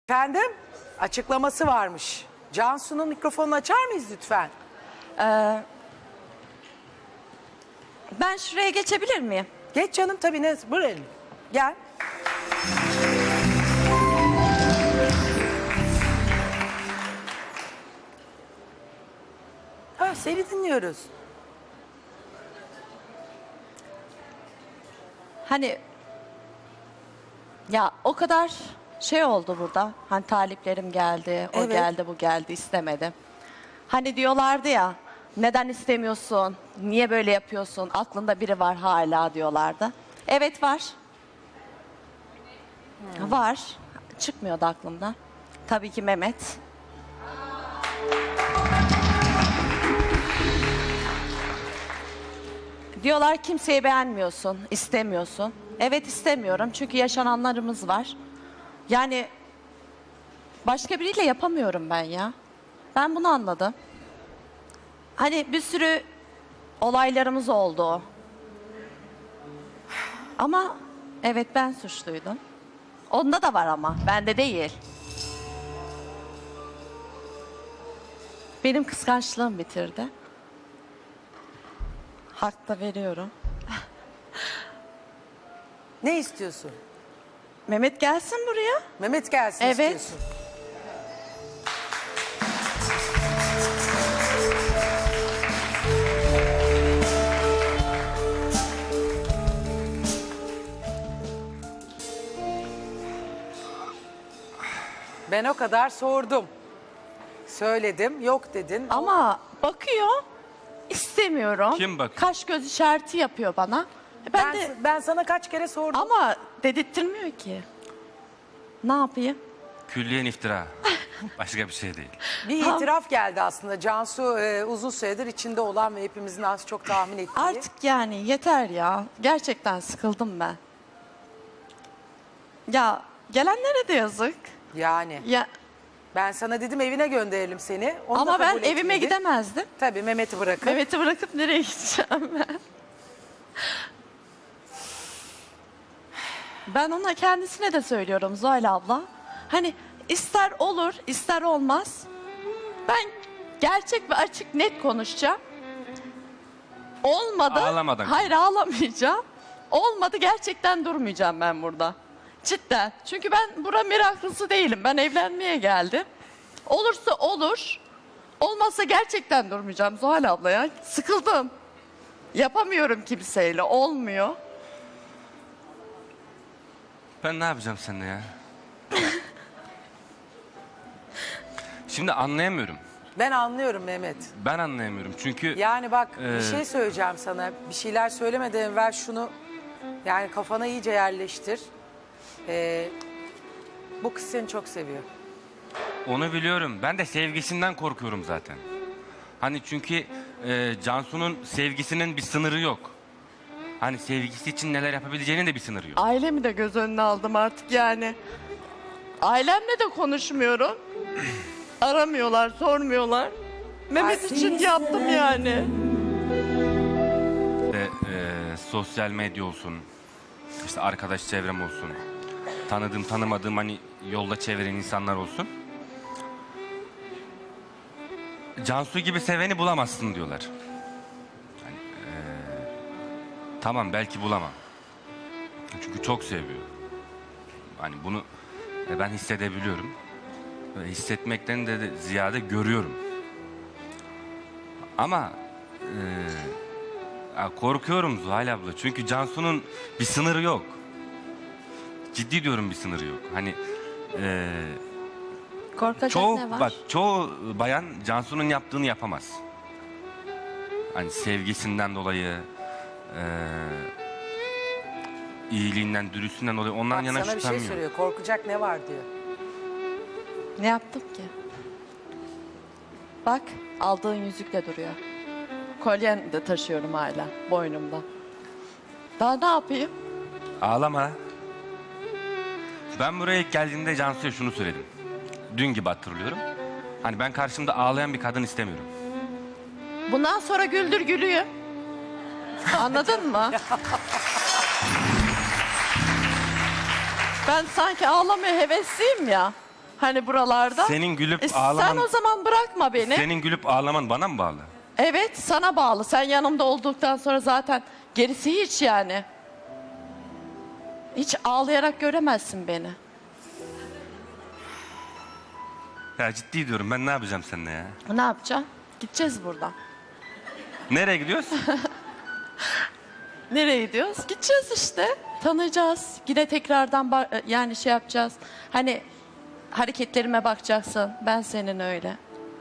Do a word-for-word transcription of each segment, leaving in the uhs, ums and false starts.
Efendim, açıklaması varmış. Cansu'nun mikrofonunu açar mıyız lütfen? Ee, ben şuraya geçebilir miyim? Geç canım tabii, ne? Buraya gel. Ha, seni dinliyoruz. Hani ya o kadar şey oldu burada. Hani taliplerim geldi, o Evet. geldi, bu geldi, istemedim. Hani diyorlardı ya, neden istemiyorsun, niye böyle yapıyorsun, aklında biri var hala diyorlardı. Evet var. Var. Çıkmıyordu aklımdan. Tabii ki Mehmet. Diyorlar kimseyi beğenmiyorsun, istemiyorsun. Evet istemiyorum çünkü yaşananlarımız var. Yani başka biriyle yapamıyorum ben ya. Ben bunu anladım. Hani bir sürü olaylarımız oldu. Ama evet ben suçluydum. Onda da var ama bende değil. Benim kıskançlığım bitirdi. Hak da veriyorum. Ne istiyorsun? Mehmet gelsin buraya. Mehmet gelsin Evet. istiyorsun. Ben o kadar sordum. Söyledim, yok dedin. Ama bakıyor, istemiyorum. Kim bakıyor? Kaş göz işareti yapıyor bana. E Ben, Ben, de ben sana kaç kere sordum. ama dedirttirmiyor ki. Ne yapayım? Külliyen iftira. Başka bir şey değil. Bir itiraf geldi aslında. Cansu e, uzun süredir içinde olan ve hepimizin az çok tahmin ettiği. Artık yani yeter ya. Gerçekten sıkıldım ben. Ya gelenlere de yazık. Yani Ya ben sana dedim evine gönderelim seni. Onu da ama ben kabul evime etmedin. gidemezdim. Tabii Mehmet'i bırakıp. Mehmet'i bırakıp nereye gideceğim ben? Ben ona kendisine de söylüyorum Zuhal abla. Hani ister olur ister olmaz. Ben gerçek ve açık net konuşacağım. Olmadı. Ağlamadan. Hayır ağlamayacağım. Olmadı gerçekten durmayacağım ben burada. Cidden. Çünkü ben bura meraklısı değilim. Ben evlenmeye geldim. Olursa olur. Olmazsa gerçekten durmayacağım Zuhal abla ya. Sıkıldım. Yapamıyorum kimseyle. Olmuyor. Ben ne yapacağım seninle ya? Şimdi anlayamıyorum. Ben anlıyorum Mehmet. Ben anlayamıyorum çünkü Yani bak bir Ee, şey söyleyeceğim sana. Bir şeyler söylemeden evvel şunu yani kafana iyice yerleştir. Ee, bu kız seni çok seviyor. onu biliyorum. Ben de sevgisinden korkuyorum zaten. Hani çünkü e, Cansu'nun sevgisinin bir sınırı yok. Hani sevgisi için neler yapabileceğinin de bir sınırı yok. Ailemi de göz önüne aldım artık yani. Ailemle de konuşmuyorum. Aramıyorlar, sormuyorlar. Mehmet Ay, için yaptım yani. İşte, e, sosyal medya olsun, işte arkadaş çevrem olsun, tanıdığım tanımadığım hani yolda çeviren insanlar olsun. Cansu gibi seveni bulamazsın diyorlar. Hani, e, tamam belki bulamam. Çünkü çok seviyor. Hani bunu e, ben hissedebiliyorum. Ve hissetmekten de, de ziyade görüyorum. Ama e, ya korkuyorum Zuhal abla. Çünkü Cansu'nun bir sınırı yok. Ciddi diyorum bir sınırı yok. Hani e, Korkacak çoğu ne var? bak çoğu bayan Cansu'nun yaptığını yapamaz. Hani sevgisinden dolayı, e, iyiliğinden, dürüstlüğünden dolayı ondan Bak yana sana bir şey şüphem yok. söylüyor. Korkacak ne var diyor. Ne yaptım ki? Bak aldığın yüzükle duruyor. Kolyen de taşıyorum hala boynumda. Daha ne yapayım? Ağlama. Ben buraya ilk geldiğimde Cansu'ya şunu söyledim. Dün gibi hatırlıyorum. Hani ben karşımda ağlayan bir kadın istemiyorum. Bundan sonra güldür gülüyor. Anladın mı? Ben sanki ağlamaya hevesliyim ya. Hani buralarda. Senin gülüp E, Sen ağlaman... o zaman bırakma beni. Senin gülüp ağlaman bana mı bağlı? Evet, sana bağlı. Sen yanımda olduktan sonra zaten gerisi hiç yani. Hiç ağlayarak göremezsin beni. Ya ciddi diyorum, ben ne yapacağım seninle ya? Ne yapacağım? Gideceğiz buradan. Nereye gidiyoruz? Nereye gidiyoruz? Gideceğiz işte. Tanıyacağız. Yine tekrardan ba- yani şey yapacağız. Hani hareketlerime bakacaksın. Ben senin öyle.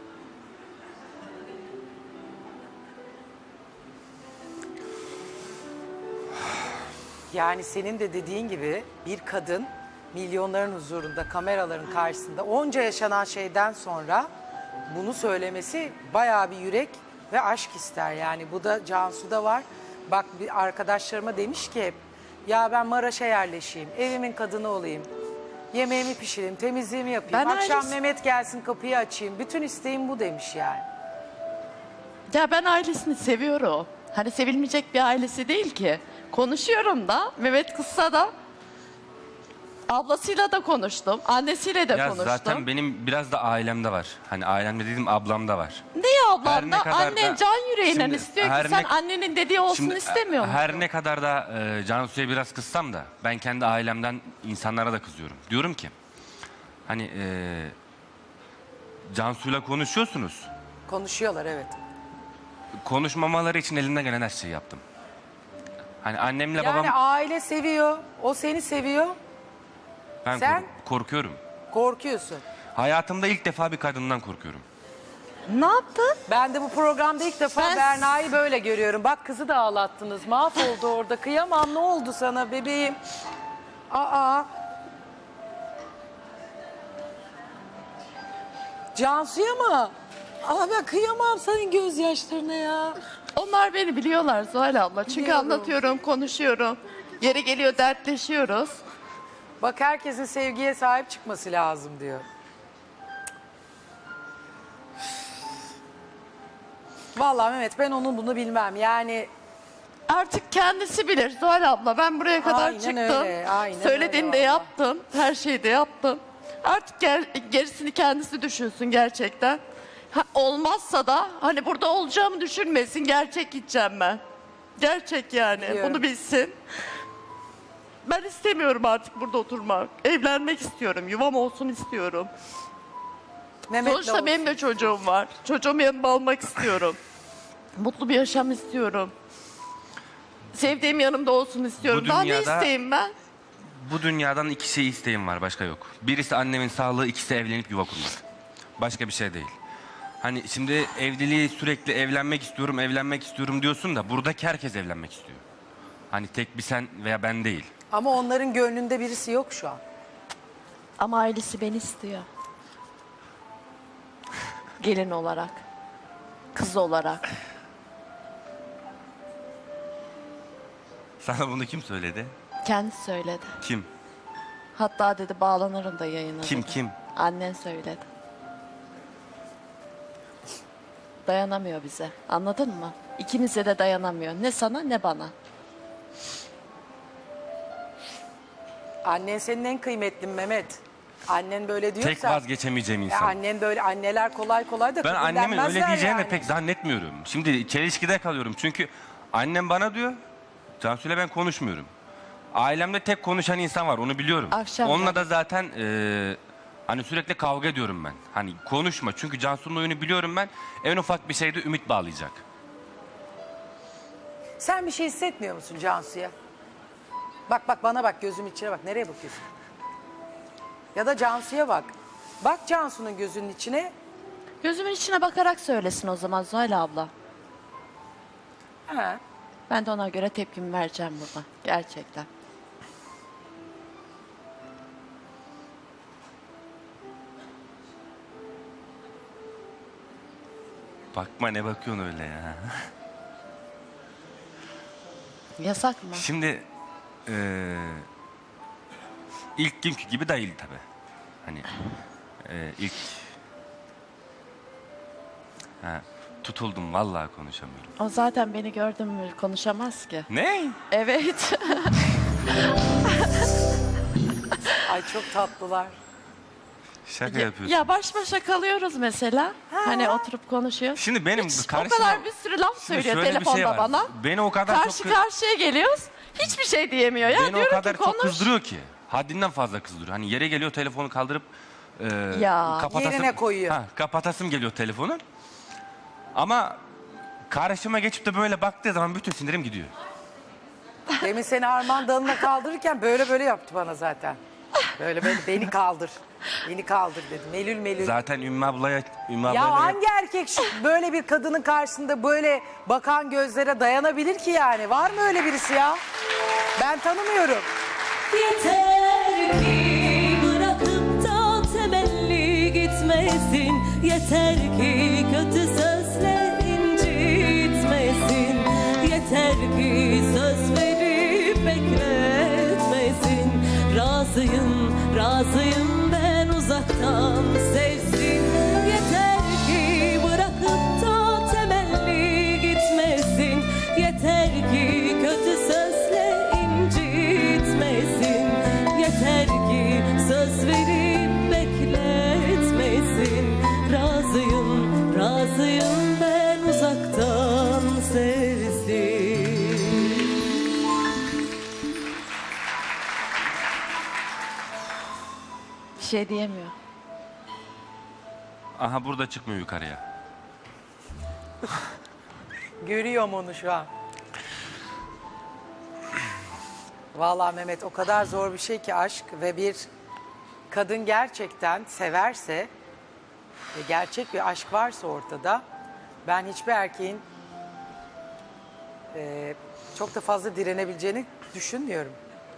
Yani senin de dediğin gibi bir kadın milyonların huzurunda, kameraların karşısında onca yaşanan şeyden sonra bunu söylemesi bayağı bir yürek ve aşk ister. Yani bu da Cansu'da var. Bak bir arkadaşlarıma demiş ki hep ya ben Maraş'a yerleşeyim, evimin kadını olayım. Yemeğimi pişireyim, temizliğimi yapayım. Ben Akşam ailesi- Mehmet gelsin kapıyı açayım. Bütün isteğim bu demiş yani. Ya ben ailesini seviyorum. Hani sevilmeyecek bir ailesi değil ki. Konuşuyorum da Mehmet kızsa da ablasıyla da konuştum, annesiyle de Ya konuştum. zaten benim biraz da ailemde var. Hani ailemde dedim, ablamda var. Niye Her ablam ne da kadar annen da- can yüreğinden Şimdi istiyor ki her sen ne- annenin dediği olsun Şimdi, istemiyor musun? her ne kadar da e, Cansu'ya biraz kızsam da ben kendi ailemden insanlara da kızıyorum. Diyorum ki hani e, Cansu'yla konuşuyorsunuz. Konuşuyorlar evet. Konuşmamaları için elimden gelen her şeyi yaptım. Hani annemle Yani babam aile seviyor, o seni seviyor, ben sen- kork- korkuyorum. korkuyorsun. Hayatımda ilk defa bir kadından korkuyorum. Ne yaptın? Ben de bu programda ilk defa Ben- Berna'yı böyle görüyorum. Bak kızı da ağlattınız. Mahvoldu orada. Kıyamam, ne oldu sana bebeğim? Aa. Cansu'ya mı? Aa ben kıyamam senin gözyaşlarına ya. Onlar beni biliyorlar Zuhal abla. Çünkü Biliyorum. anlatıyorum, konuşuyorum. Yeri geliyor dertleşiyoruz. Bak herkesin sevgiye sahip çıkması lazım diyor. Vallahi Mehmet ben onun bunu bilmem. Yani Artık kendisi bilir Zuhal abla. Ben buraya kadar Aynen çıktım. öyle, aynen Söylediğini de öyle yaptım. Her şeyi de yaptım. Artık gel, gerisini kendisi düşünsün gerçekten. Ha, olmazsa da hani burada olacağımı düşünmesin. Gerçek gideceğim ben. Gerçek yani. Biliyorum. Bunu bilsin. Ben istemiyorum artık burada oturmak. Evlenmek istiyorum. Yuvam olsun istiyorum. Mehmet'le Sonuçta olsun. benim de çocuğum var. Çocuğumu yanımda almak istiyorum. Mutlu bir yaşam istiyorum. Sevdiğim yanımda olsun istiyorum. Bu Daha ne dünyada- isteyeyim ben? Bu dünyadan iki şey isteğim var, başka yok. Birisi annemin sağlığı, ikisi evlenip yuva kurmak. Başka bir şey değil. Hani şimdi evliliği sürekli evlenmek istiyorum, evlenmek istiyorum diyorsun da buradaki herkes evlenmek istiyor. Hani tek bir sen veya ben değil. Ama onların gönlünde birisi yok şu an. Ama ailesi beni istiyor. Gelin olarak. Kız olarak. Sana bunu kim söyledi? Kendisi söyledi. Kim? Hatta dedi bağlanırım da yayına Kim, dedi. kim? Annen söyledi. Dayanamıyor bize. Anladın mı? İkimize de dayanamıyor. Ne sana ne bana. Annen senin en kıymetlin Mehmet. Annen böyle diyorsa. Tek vazgeçemeyeceğim E, insan. annen böyle anneler kolay kolay da Ben kabul annemin öyle denmezler diyeceğini de yani. pek zannetmiyorum. Şimdi çelişkide kalıyorum. Çünkü annem bana diyor, Cansu'yla ben konuşmuyorum. Ailemde tek konuşan insan var, onu biliyorum. Akşam Onunla da. da zaten e, hani sürekli kavga ediyorum ben. Hani konuşma, çünkü Cansu'nun oyunu biliyorum ben. En ufak bir şeyde ümit bağlayacak. Sen bir şey hissetmiyor musun Cansu'ya? Bak bak bana bak, gözüm içine bak. Nereye bakıyorsun? Ya da Cansu'ya bak. Bak Cansu'nun gözünün içine. Gözümün içine bakarak söylesin o zaman Zuhal abla. Ha. Ben de ona göre tepkimi vereceğim burada. Gerçekten. Bakma, ne bakıyorsun öyle ya. Yasak mı? Şimdi e, ilk günkü gibi değil tabii. Hani e, ilk ha, tutuldum, vallahi konuşamıyorum. O zaten beni gördün mü konuşamaz ki. Ne? Evet. Ay çok tatlılar. Şaka Ya, yapıyorsun. ya baş başa kalıyoruz mesela. Hani oturup konuşuyoruz. Şimdi benim Hiç karşıma- o kadar bir sürü laf Şimdi söylüyor şöyle bir telefonda şey var. bana. Beni o kadar Karşı çok karşıya geliyoruz. Hiçbir şey diyemiyor. Ya beni o diyorum kadar ki çok konuş. kızdırıyor ki. Haddinden fazla kızdırıyor. Hani yere geliyor telefonu kaldırıp e, Ya, kapatasım, yerine koyuyor. Ha, kapatasım geliyor telefonu. Ama karşıma geçip de böyle baktığı zaman bütün sinirim gidiyor. Demin seni Armağan dalına kaldırırken böyle böyle yaptı bana zaten. Böyle böyle beni kaldır. Beni kaldır dedi. Melül melül. Zaten Ümmü ablaya Ümmü Ya ablayla hangi erkek şu böyle bir kadının karşısında böyle bakan gözlere dayanabilir ki yani? Var mı öyle birisi ya? Ben tanımıyorum. Yeter ki bırakıp da temelli gitmesin. Yeter ki kötü sözle incitmesin. Yeter ki söz verip bekletmesin. Razıyım, razıyım ben uzaktan sevsin. Yeter ki bırakıp da temelli gitmesin. Yeter ki kötü sözle incitmesin. Yeter ki söz verip bekletmesin. Razıyım, razıyım ben uzaktan sevsin. Bir şey diyemiyor. aha burada çıkmıyor yukarıya. Görüyorum onu şu an. Vallahi Mehmet o kadar zor bir şey ki aşk ve bir kadın gerçekten severse ve gerçek bir aşk varsa ortada ben hiçbir erkeğin e, çok da fazla direnebileceğini düşünmüyorum.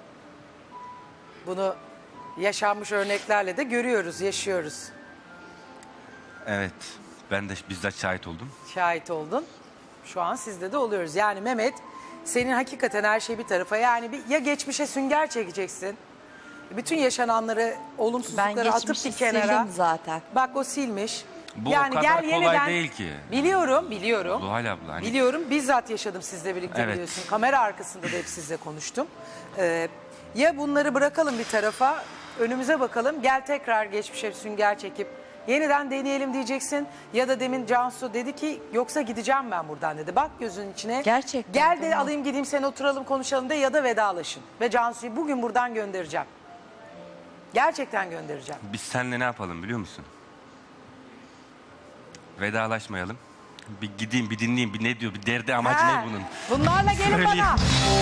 Bunu yaşanmış örneklerle de görüyoruz, yaşıyoruz. Evet. Ben de bizzat şahit oldum. Şahit oldun. Şu an sizde de oluyoruz. Yani Mehmet senin hakikaten her şey bir tarafa yani bir, ya geçmişe sünger çekeceksin. Bütün yaşananları, Ben olumsuzlukları atıp geçmişi bir kenara. sildim zaten. Bak o silmiş. Bu o kadar kolay değil ki. Biliyorum, biliyorum. Zuhal abla hani Biliyorum, bizzat yaşadım sizle birlikte Evet. biliyorsun. Kamera arkasında da hep sizle konuştum. Ee, ya bunları bırakalım bir tarafa, önümüze bakalım. Gel tekrar geçmişe bir sünger çekip yeniden deneyelim diyeceksin. Ya da demin Cansu dedi ki yoksa gideceğim ben buradan dedi. Bak gözünün içine. Gerçekten, Gel de değil mi? alayım gideyim seni oturalım konuşalım de ya da vedalaşın. Ve Cansu'yu bugün buradan göndereceğim. Gerçekten göndereceğim. biz seninle ne yapalım biliyor musun? Vedalaşmayalım. Bir gideyim bir dinleyeyim bir ne diyor bir derdi amacı Ha, ne bunun? Bunlarla gelin Söyleyeyim. bana.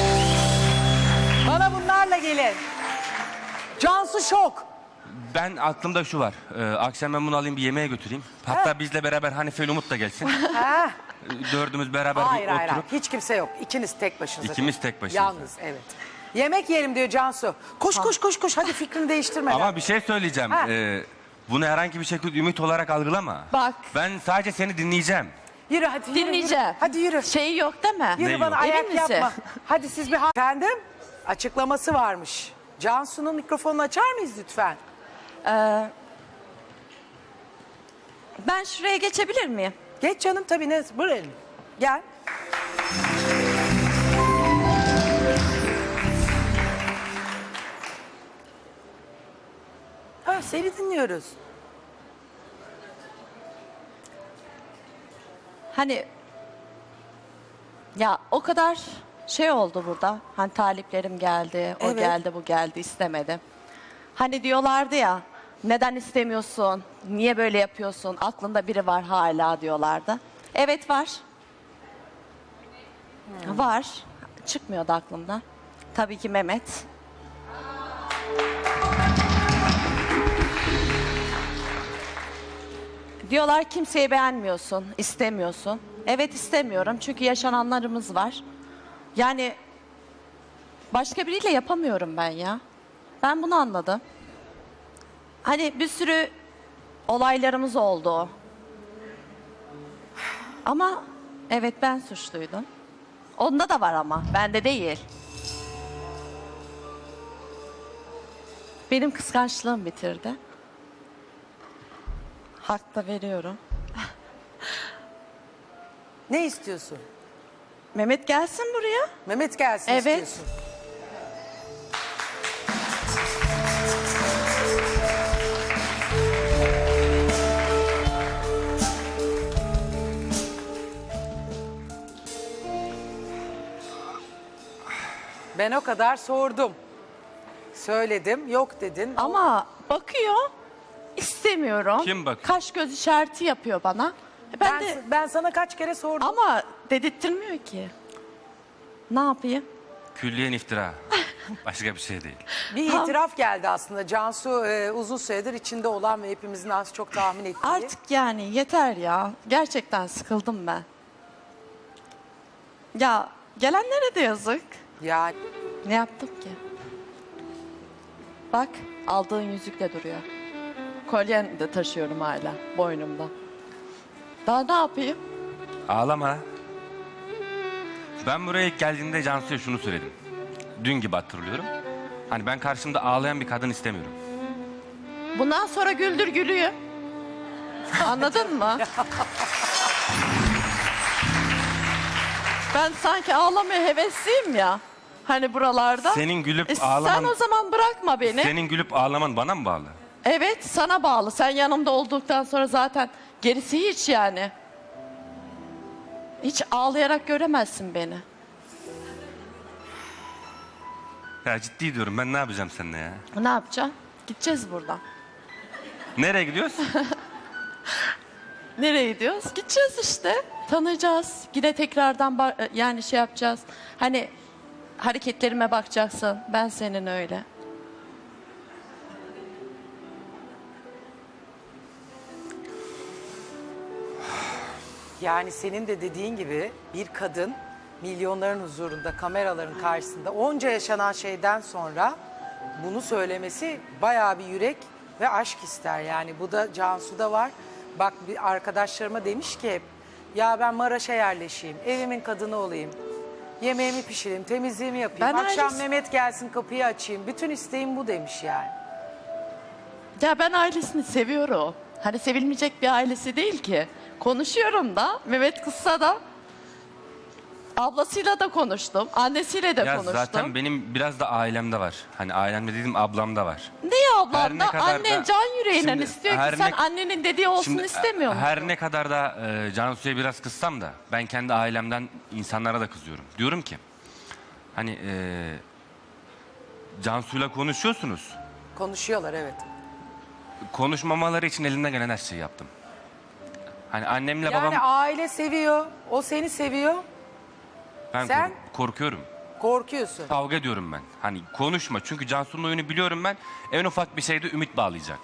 Bana bunlarla gelin. Cansu şok. Ben aklımda şu var. Ee, akşam ben bunu alayım bir yemeğe götüreyim. Hatta bizle beraber Hanife ile Umut da gelsin. Ha? Ee, Dördümüz beraber Hayır bir hayır hayır. oturup. Hiç kimse yok. İkiniz tek başınıza. İkimiz tek başımıza. Yalnız evet. Yemek yiyelim diyor Cansu. Koş koş koş koş hadi fikrini değiştirmeden. Ama bir şey söyleyeceğim. Ha. Ee, bunu herhangi bir şekilde ümit olarak algılama. Bak. Ben sadece seni dinleyeceğim. Yürü hadi yürü, Dinleyeceğim. yürü. Hadi yürü. Şeyi yok değil mi? Yürü Ne bana yok? ayak Emin misin? yapma. Hadi siz bir... ha- Efendim? Açıklaması varmış. Cansu'nun mikrofonunu açar mıyız lütfen? Ee, ben şuraya geçebilir miyim? Geç canım tabii ne? Buraya. Gel. Ha, seni dinliyoruz. Hani ya o kadar şey oldu burada. Hani taliplerim geldi, o Evet. geldi, bu geldi istemedim. Hani diyorlardı ya neden istemiyorsun, niye böyle yapıyorsun, aklında biri var hala diyorlardı. Evet var. Var. Çıkmıyordu aklımdan. Tabii ki Mehmet. Diyorlar kimseyi beğenmiyorsun, istemiyorsun. Evet istemiyorum çünkü yaşananlarımız var. Yani başka biriyle yapamıyorum ben ya. Ben bunu anladım. Hani bir sürü olaylarımız oldu. Ama evet ben suçluydum. Onda da var ama bende değil. Benim kıskançlığım bitirdi. Hak da veriyorum. Ne istiyorsun? Mehmet gelsin buraya. Mehmet gelsin Evet. istiyorsun. Ben o kadar sordum. Söyledim, yok dedin. Ama bakıyor, istemiyorum. Kim bakıyor? Kaş göz işareti yapıyor bana. E Ben, ben, de ben sana kaç kere sordum. ama dedirttirmiyor ki. Ne yapayım? Külliyen iftira. Başka bir şey değil. Bir itiraf geldi aslında. Cansu e, uzun süredir içinde olan ve hepimizin az çok tahmin ettiği. Artık yani yeter ya. Gerçekten sıkıldım ben. Ya gelenlere de yazık. Yani Ne yaptım ki? Bak aldığın yüzük de duruyor. Kolyen de taşıyorum hala boynumda. Daha ne yapayım? Ağlama. Ben buraya ilk geldiğimde Cansu'ya şunu söyledim. Dün gibi hatırlıyorum. Hani ben karşımda ağlayan bir kadın istemiyorum. Bundan sonra güldür gülüyor. Anladın mı? Ben sanki ağlamaya hevesliyim ya. Hani buralarda. Senin gülüp E, Sen ağlaman... o zaman bırakma beni. Senin gülüp ağlaman bana mı bağlı? Evet sana bağlı. Sen yanımda olduktan sonra zaten gerisi hiç yani. Hiç ağlayarak göremezsin beni. Ya ciddi diyorum, ben ne yapacağım seninle ya? Ne yapacağım? Gideceğiz buradan. Nereye gidiyoruz? Nereye gidiyoruz? Gideceğiz işte. Tanıyacağız. Yine tekrardan ba- yani şey yapacağız. Hani hareketlerime bakacaksın. Ben senin öyle. Yani senin de dediğin gibi bir kadın milyonların huzurunda, kameraların karşısında onca yaşanan şeyden sonra bunu söylemesi bayağı bir yürek ve aşk ister. Yani bu da Cansu'da var. Bak bir arkadaşlarıma demiş ki hep ya ben Maraş'a yerleşeyim, evimin kadını olayım, yemeğimi pişireyim, temizliğimi yapayım, Ben akşam ailesi- Mehmet gelsin kapıyı açayım. Bütün isteğim bu demiş yani. Ya ben ailesini seviyorum. Hani sevilmeyecek bir ailesi değil ki. Konuşuyorum da Mehmet kızsa da ablasıyla da konuştum. Annesiyle de Ya konuştum. zaten benim biraz da ailemde var. Hani ailemde dediğim ablamda var. Ne ya ablam Her ne da kadar annen da- can yüreğinden Şimdi istiyor ki her sen ne- annenin dediği olsun Şimdi, istemiyor musun? her ne kadar da e, Cansu'ya biraz kızsam da ben kendi ailemden insanlara da kızıyorum. Diyorum ki hani e, Cansu'yla konuşuyorsunuz. Konuşuyorlar evet. Konuşmamaları için elimden gelen her şeyi yaptım. Hani annemle Yani babam aile seviyor, o seni seviyor, ben sen- kork- korkuyorum. korkuyorsun. Kavga ediyorum ben. Hani konuşma çünkü Cansu'nun oyunu biliyorum ben. En ufak bir şeyde ümit bağlayacak.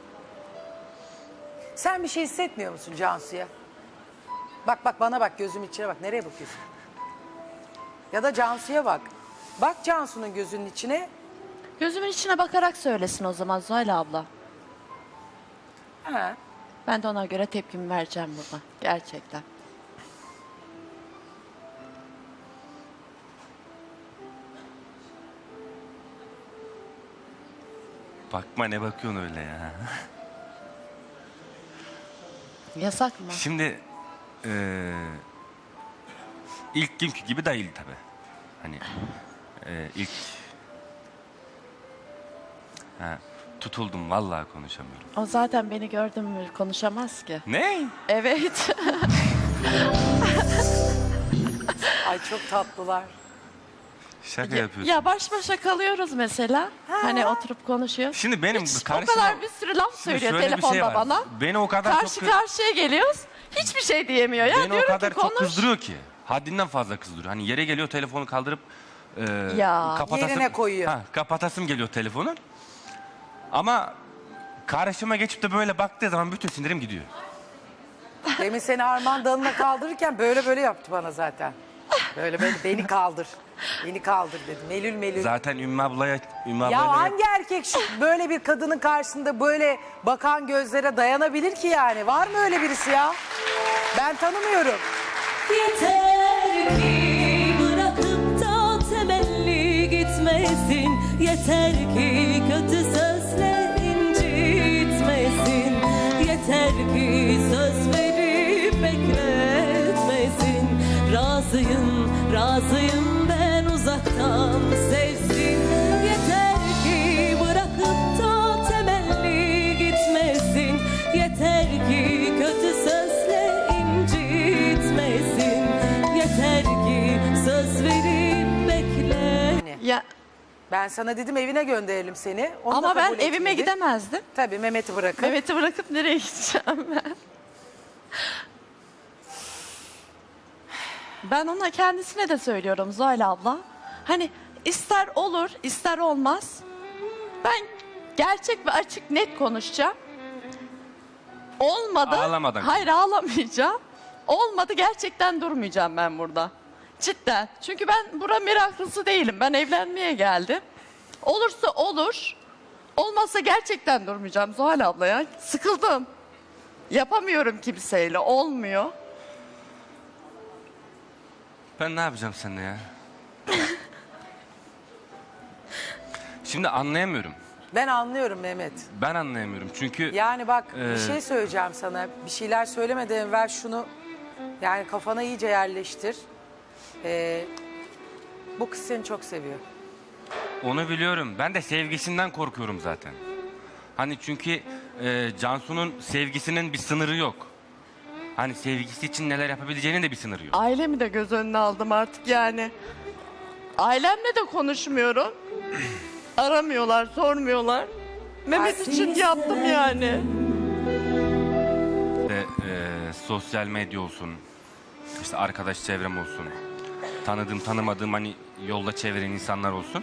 Sen bir şey hissetmiyor musun Cansu'ya? Bak bak bana bak, gözüm içine bak. Nereye bakıyorsun? Ya da Cansu'ya bak. Bak Cansu'nun gözünün içine. Gözümün içine bakarak söylesin o zaman Zuhal abla. Ha. Ben de ona göre tepkimi vereceğim burada. Gerçekten. Bakma, ne bakıyorsun öyle ya. Yasak mı? Şimdi eee ilk günkü gibi değil tabi. Hani eee, ilk ha, tutuldum, vallahi konuşamıyorum. O zaten beni gördün mü konuşamaz ki. Ne? Evet. Ay çok tatlılar. Şaka Ya- yapıyorsun. ya baş başa kalıyoruz mesela. Hani oturup konuşuyoruz. Şimdi benim Hiç karşıma... o kadar bir sürü laf Şimdi söylüyor şöyle bir telefonda şey var. bana. Beni o kadar Karşı çok... karşıya geliyoruz. Hiçbir şey diyemiyor ya. Beni o Diyorum kadar ki çok konuş. kızdırıyor ki. Haddinden fazla kızdırıyor. Hani yere geliyor, telefonu kaldırıp e, Ya, kapatasım, yerine koyuyor. Ha, kapatasım geliyor telefonu. Ama karşıma geçip de böyle baktığı zaman bütün sinirim gidiyor. Demin seni Armağan dalına kaldırırken böyle böyle yaptı bana zaten. Böyle böyle beni kaldır. Beni kaldır dedi. Melül melül. Zaten Ümmü ablaya... Ümmü Ya ablayla- hangi erkek şu böyle bir kadının karşısında böyle bakan gözlere dayanabilir ki yani? Var mı öyle birisi ya? Ben tanımıyorum. Yeter ki bırakıp da temelli gitmesin. Yeter ki kötü sözle incitmesin. Yeter ki söz verip bekletmesin. Razıyım, razıyım ben uzaktan sevsin. Yeter ki bırakıp da temelli gitmesin. Yeter ki kötü sözle incitmesin. Yeter ki söz verip bekle. Ben sana dedim evine gönderelim seni. Onu da Ama ben kabul evime etmedin. gidemezdim. Tabii Mehmet'i bırakıp. Mehmet'i bırakıp nereye gideceğim ben? Ben ona kendisine de söylüyorum Zuhal abla. Hani ister olur ister olmaz. Ben gerçek ve açık net konuşacağım. Olmadı. Ağlamadan. Hayır ağlamayacağım. Olmadı gerçekten durmayacağım ben burada. Cidden. Çünkü ben bura meraklısı değilim. Ben evlenmeye geldim. Olursa olur. Olmazsa gerçekten durmayacağım Zuhal abla ya. Sıkıldım. Yapamıyorum kimseyle. Olmuyor. Ben ne yapacağım seninle ya? Şimdi anlayamıyorum. Ben anlıyorum Mehmet. Ben anlayamıyorum çünkü Yani bak Ee, bir şey söyleyeceğim sana. Bir şeyler söylemeden evvel şunu yani kafana iyice yerleştir. Ee, bu kız seni çok seviyor. onu biliyorum. Ben de sevgisinden korkuyorum zaten. Hani çünkü e, Cansu'nun sevgisinin bir sınırı yok. Hani sevgisi için neler yapabileceğinin de bir sınırı yok. Ailemi de göz önüne aldım artık yani. Ailemle de konuşmuyorum. Aramıyorlar, sormuyorlar. Mehmet Ay, için yaptım yani. İşte, e, sosyal medya olsun, işte arkadaş çevrem olsun, tanıdığım tanımadığım hani yolda çeviren insanlar olsun.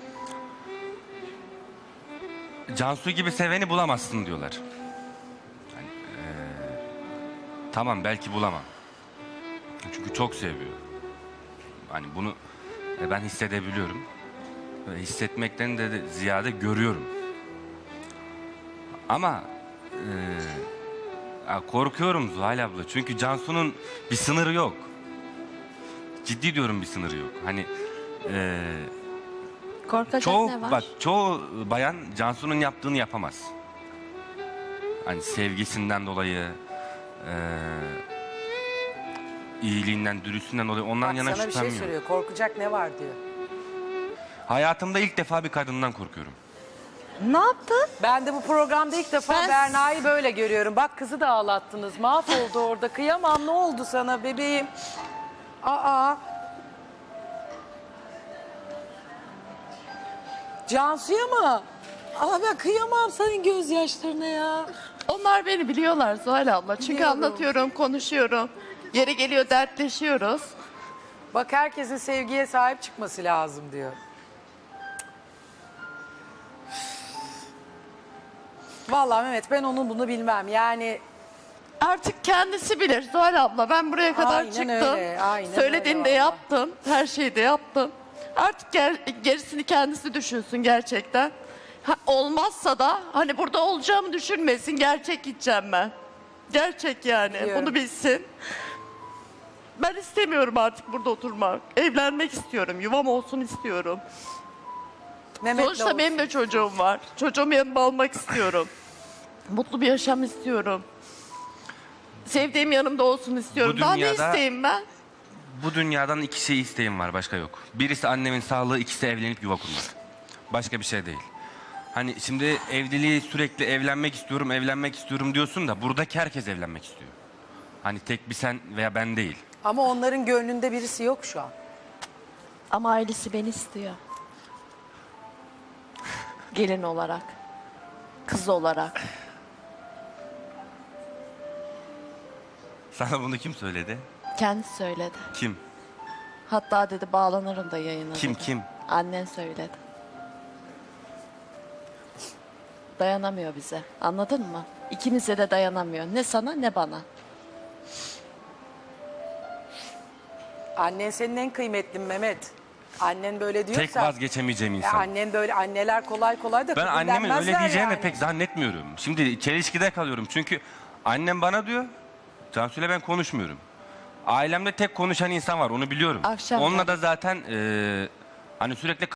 Cansu gibi seveni bulamazsın diyorlar. Hani, e, tamam belki bulamam. Çünkü çok seviyor. Hani bunu e, ben hissedebiliyorum. Ve hissetmekten de, de ziyade görüyorum. Ama e, ya korkuyorum Zuhal abla. Çünkü Cansu'nun bir sınırı yok. Ciddi diyorum bir sınırı yok. Hani e, Korkacak çoğu ne var? bak çoğu bayan Cansu'nun yaptığını yapamaz. Hani sevgisinden dolayı, e, iyiliğinden, dürüstlüğünden dolayı ondan Bak yana sana bir şey şüphem yok. söylüyor. Korkacak ne var diyor. Hayatımda ilk defa bir kadından korkuyorum. Ne yaptın? Ben de bu programda ilk defa Ben- Berna'yı böyle görüyorum. Bak kızı da ağlattınız. Mahvoldu orada. Kıyamam ne oldu sana bebeğim? Aa. Cansu'ya mı? Aa ben kıyamam senin gözyaşlarına ya. Onlar beni biliyorlar Zuhal abla. Çünkü Biliyorum. anlatıyorum, konuşuyorum. Yeri geliyor dertleşiyoruz. Bak herkesin sevgiye sahip çıkması lazım diyor. Vallahi Mehmet ben onun bunu bilmem. Yani Artık kendisi bilir Zuhal abla. Ben buraya kadar Aynen çıktım. öyle, aynen Söylediğini öyle de vallahi. yaptım. Her şeyi de yaptım. Artık ger- gerisini kendisi düşünsün gerçekten. Ha, olmazsa da hani burada olacağımı düşünmesin. Gerçek gideceğim ben. Gerçek yani. Biliyorum. Bunu bilsin. Ben istemiyorum artık burada oturmak. Evlenmek istiyorum. Yuvam olsun istiyorum. Mehmet'le Sonuçta olsun. benim de çocuğum var. Çocuğumu yanıma almak istiyorum. Mutlu bir yaşam istiyorum. Sevdiğim yanımda olsun istiyorum. Bu Daha ne dünyada- isteyeyim ben? Bu dünyadan iki şey isteğim var, başka yok. Birisi annemin sağlığı, ikisi evlenip yuva kurmak. Başka bir şey değil. Hani şimdi evliliği sürekli evlenmek istiyorum, evlenmek istiyorum diyorsun da buradaki herkes evlenmek istiyor. Hani tek bir sen veya ben değil. Ama onların gönlünde birisi yok şu an. Ama ailesi beni istiyor. Gelin olarak. Kız olarak. Sana bunu kim söyledi? Kendisi söyledi. Kim? Hatta dedi bağlanırım da yayına. Kim, dedi. kim? Annen söyledi. Dayanamıyor bize. Anladın mı? İkimize de dayanamıyor. Ne sana ne bana. Annen senin en kıymetlin Mehmet. Annen böyle diyorsa. Tek vazgeçemeyeceğim Ya insan. annen böyle anneler kolay kolay da Ben annemin öyle kabullenmezler diyeceğini yani. pek zannetmiyorum. Şimdi çelişkide kalıyorum. Çünkü annem bana diyor, Cansu'yla ben konuşmuyorum. Ailemde tek konuşan insan var, onu biliyorum. Akşam Onunla tabii. da zaten e, hani sürekli